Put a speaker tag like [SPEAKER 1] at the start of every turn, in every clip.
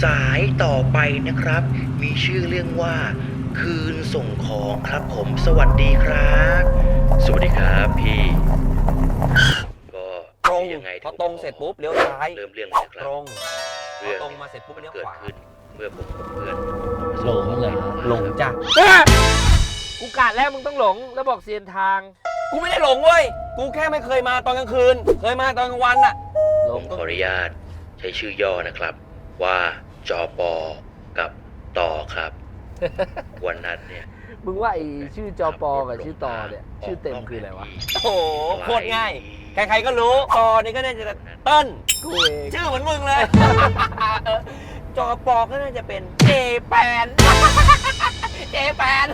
[SPEAKER 1] สายต่อไปนะครับมีชื่อเรื่องว่าคืนส่งของครับผมสวัสดีครับสวัสดีครับพี่ก็
[SPEAKER 2] ตรง
[SPEAKER 1] ยังไง
[SPEAKER 2] พอตรงเสร็จปุ๊บเลี้ยวซ้าย
[SPEAKER 1] เริ่มเรื่องเลยนะค
[SPEAKER 2] ต
[SPEAKER 1] รับ
[SPEAKER 2] รงพ
[SPEAKER 1] เรื่
[SPEAKER 2] อ
[SPEAKER 1] อง
[SPEAKER 2] ตรงมาเสร็จปุ๊บเลี้ยว
[SPEAKER 1] เกิด
[SPEAKER 2] ขวา
[SPEAKER 1] ขึ้นเมื่อผมกับเพื่อน
[SPEAKER 3] หลงเหรอ
[SPEAKER 2] หลงจ้ะ
[SPEAKER 3] กูกะแล้วมึงต้องหลงแล้วบอกเซียนทาง
[SPEAKER 2] กูไม่ได้หลงเว้ยกูแค่ไม่เคยมาตอนกลางคืน เคยมาตอนกลางวันน่ะ
[SPEAKER 3] หล
[SPEAKER 1] ผ
[SPEAKER 3] ง
[SPEAKER 1] มขออนุญาตใช้ชื่อย่อนะครับ ว่าจอปอกับต่อครับ วันนั้นเนี่ย
[SPEAKER 3] มึงว่าไอ้ชื่อจอปอกับชื่อตอเนี่ยชื่อเต็มคืออะไรวะ
[SPEAKER 2] โอ้โหโคตรง่าย ใครๆก็รู้ตอนี่ก็น่าจะเติ้ล
[SPEAKER 3] กูเอง
[SPEAKER 2] ชื่อเหมือนมึงเลย จอปอก็น่าจะเป็นเจแปน เจแปน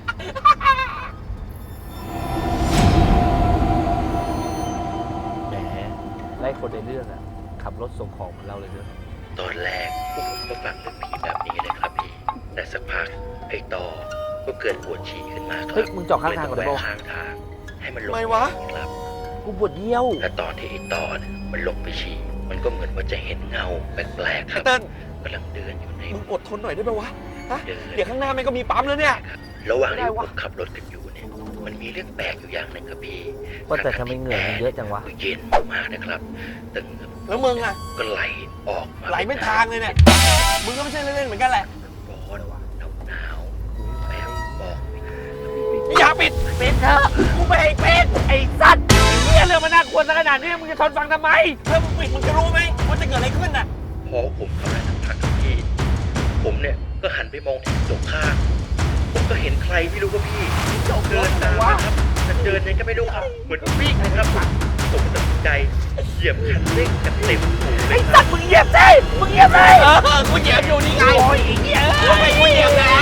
[SPEAKER 3] แหมไล่คนในเรื่องอะขับรถส่งของเหมือนเราเลยเนอะ
[SPEAKER 1] ตอนแรกพวกผมก็ฟังเรื่องผีแบบนี้เลยครับพี่แต่สักพักไอ้ต่อก็เกิดปวดฉี่ขึ้นมาครั
[SPEAKER 3] เฮ้ยมึงจอดข้างทางก่อน
[SPEAKER 1] เล
[SPEAKER 3] ได้
[SPEAKER 1] ย
[SPEAKER 3] ปะ
[SPEAKER 1] ต้องแวะข้างทางให้มันลง
[SPEAKER 2] ไม่วะ
[SPEAKER 1] ครับ
[SPEAKER 3] กูปวดเยี่ยว
[SPEAKER 1] และตอนที่ไอ้ต่อเนี่ยมันลงไปฉี่มันก็เหมือนว่าจะเห็นเงาแปลกๆค
[SPEAKER 2] ไอ้
[SPEAKER 1] รับ
[SPEAKER 2] เติ้ล
[SPEAKER 1] กำลังเดินอยู่ใน
[SPEAKER 2] มึงอดทนหน่อยได้ไหมวะฮะ
[SPEAKER 1] เดิน
[SPEAKER 2] เดี๋ยวข้างหน้ามันก็มีปั๊มแล้วเนี่ย
[SPEAKER 1] ครับระหว่าง
[SPEAKER 2] ไม่ได้
[SPEAKER 1] ที่ผ
[SPEAKER 2] วะ
[SPEAKER 1] มขับรถกันอยู่เนี่ยมันมีเรื่องแปลกอยู่อย่างหนึ่งครับพี่
[SPEAKER 3] ว่าแต่ทำไมเหงื่อมันเยอะจังวะ
[SPEAKER 1] ก็เย็นมากนะครับแต่เหงื่อ
[SPEAKER 2] แล้วมึงอะ
[SPEAKER 1] ก็ไหลออกมา
[SPEAKER 2] ไหลเป็นทางเลยเนี่ย มึงก็ไม่ใช่เล่นๆเหมือนกันแหละ
[SPEAKER 1] ร้อนหนาวแบบบอกไม่ถูก
[SPEAKER 2] อย่าปิด
[SPEAKER 3] เป็นเถอะ
[SPEAKER 2] กูไม่ให้ปิด
[SPEAKER 3] ไอ้สัตว์ไอ้เนี่ยเรื่องมันน่ากลัวซะขนาดนี้มึงจะทนฟังทำไม
[SPEAKER 2] ถ้ามึงปิดมึงจะรู้ไหมว่าจะเกิดอะไรขึ้นน่ะ
[SPEAKER 1] พอผมเข้ามาสักพักครับพี่ผมเนี่ยก็หันไปมองที่กระจกข้างผมก็เห็นใครไม่รู้ครับพี่เดินตามนะครับแต่เดินยังก็ไม่รู้ครับเหมือนวิ่งนะครับผมตัดสินใจเหยียบคันเร่งกันเต็มสูงเล
[SPEAKER 3] ไอ้
[SPEAKER 1] ยค
[SPEAKER 3] สั
[SPEAKER 1] รับ
[SPEAKER 3] ตว์มึงเหยียบสิมึงเหยียบเลย
[SPEAKER 2] กูเหยียบอยู่นี่ไง
[SPEAKER 3] โอ้ยไอ้เหี้ย
[SPEAKER 2] ทำไมกูเหยียบแล้ว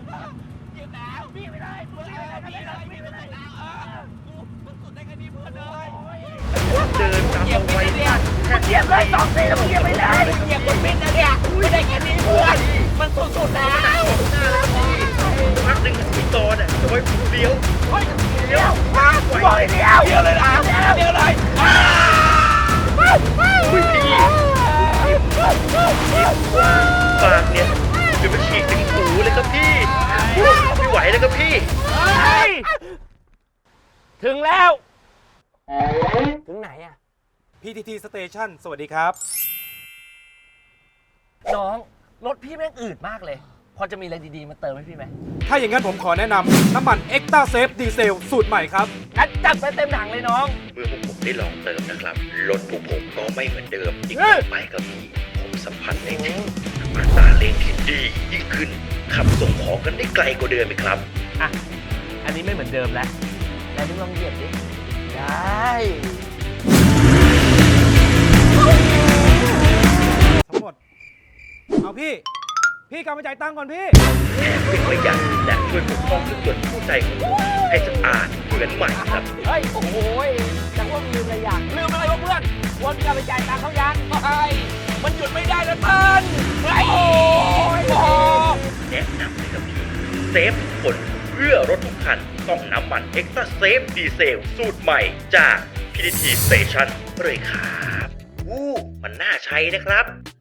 [SPEAKER 1] เดินตาม
[SPEAKER 2] เหยียบ
[SPEAKER 1] เอา
[SPEAKER 2] ไป
[SPEAKER 1] ไว้
[SPEAKER 2] เนี่ย
[SPEAKER 3] มึงเหยียบเลย2 ทีแล้วมึงเหยียบไม่ได้
[SPEAKER 2] เหยียบคนปิดนะเนี่ยไม่ได้แค่นี้เพื่อนมันสุดๆแล้ว
[SPEAKER 1] พักหนึ่งพี่ตอนเนี่ยจะไว้ผมเลี้ยวเลี้ยว
[SPEAKER 3] มากูบอกให้เดียว
[SPEAKER 2] เดี๋ยวเลยนะเดี๋ยวเลย
[SPEAKER 1] อุ้ยพี่ปากเนี่ยจะมาฉีกถึงหูเลยครับพี่ไม่ไหวแล้วครับพี่
[SPEAKER 3] เฮ้ยถึงแล้ว
[SPEAKER 2] ถึงไหนอะ
[SPEAKER 4] PTT Station สวัสดีครับ
[SPEAKER 3] น้องรถพี่แม่งอืดมากเลย พอจะมีอะไรดีๆมาเติมให้พี่ไหม
[SPEAKER 4] ถ้าอย่างนั้นผมขอแนะนำน้ำมัน Extra Safe Diesel สูตรใหม่ครับ
[SPEAKER 3] งั้นจัดไปเต็มถังเลยน้อง
[SPEAKER 1] เมื่อพวกผมได้ลองเติมนะครับรถพวกผมก็ไม่เหมือนเดิมอีก
[SPEAKER 3] เฮ้
[SPEAKER 1] ต่
[SPEAKER 3] ย
[SPEAKER 1] อไปครับพี่ผมสัมผัสได้ถึงอัตราเร่งที่ดียิ่งขึ้นขับส่งของกันได้ไกลกว่าเดิมไหมครับ
[SPEAKER 3] อ่ะ อันนี้ไม่เหมือนเดิมแล้วแต่มึงลองเหยียบดิ ได้
[SPEAKER 4] ทั้งหมด เอาพี่กลับมาจ่ายตังค์ก่อนพี่
[SPEAKER 1] แถมเป็นประหยัดและช่วยปกป้องเครื่องยนต์คู่ใจของผมให้สะอาดเหมือนใหม่ครับ
[SPEAKER 3] เฮ้ย โอ้โหจังว่าลืมอะไรอย่าง
[SPEAKER 2] ลืมอะไรวะเพื่อน
[SPEAKER 3] วนกลับไปจ่ายตังค์เขายัง
[SPEAKER 2] ไอ้มันหยุดไม่ได้แล้วเติ้ลไอ้โอ้ย
[SPEAKER 1] แนะนำเลยครับพี่เซฟทุกคนเพื่อรถทุกคันต้องน้ำมัน Extra Safe Diesel สูตรใหม่จาก PTT Station เลยครับมันน่าใช้นะครับ